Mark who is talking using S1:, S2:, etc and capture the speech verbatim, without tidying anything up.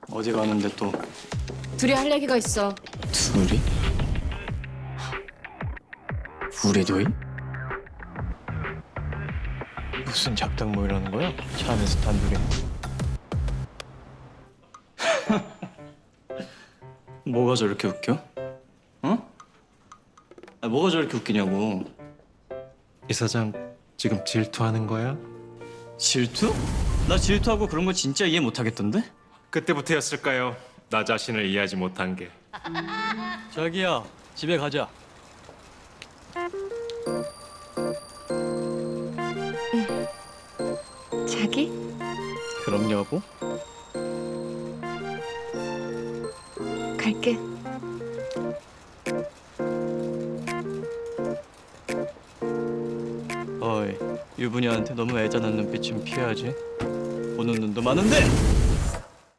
S1: 어디 가는데 또
S2: 둘이 할 얘기가 있어.
S1: 둘이? 우리 둘이? 무슨 작당 모이라는 거야? 차 안에서 단둘이. 뭐가 저렇게 웃겨? 어? 아, 뭐가 저렇게 웃기냐고.
S3: 이사장 지금 질투하는 거야?
S1: 질투? 나 질투하고 그런 거 진짜 이해 못 하겠던데?
S3: 그때부터였을까요? 나 자신을 이해하지 못한 게.
S1: 자기야, 집에 가자.
S2: 자기?
S1: 그럼 여보?
S2: 갈게.
S1: 어이, 유부녀한테 너무 애잔한 눈빛 좀 피해야지. 보는 눈도 많은데!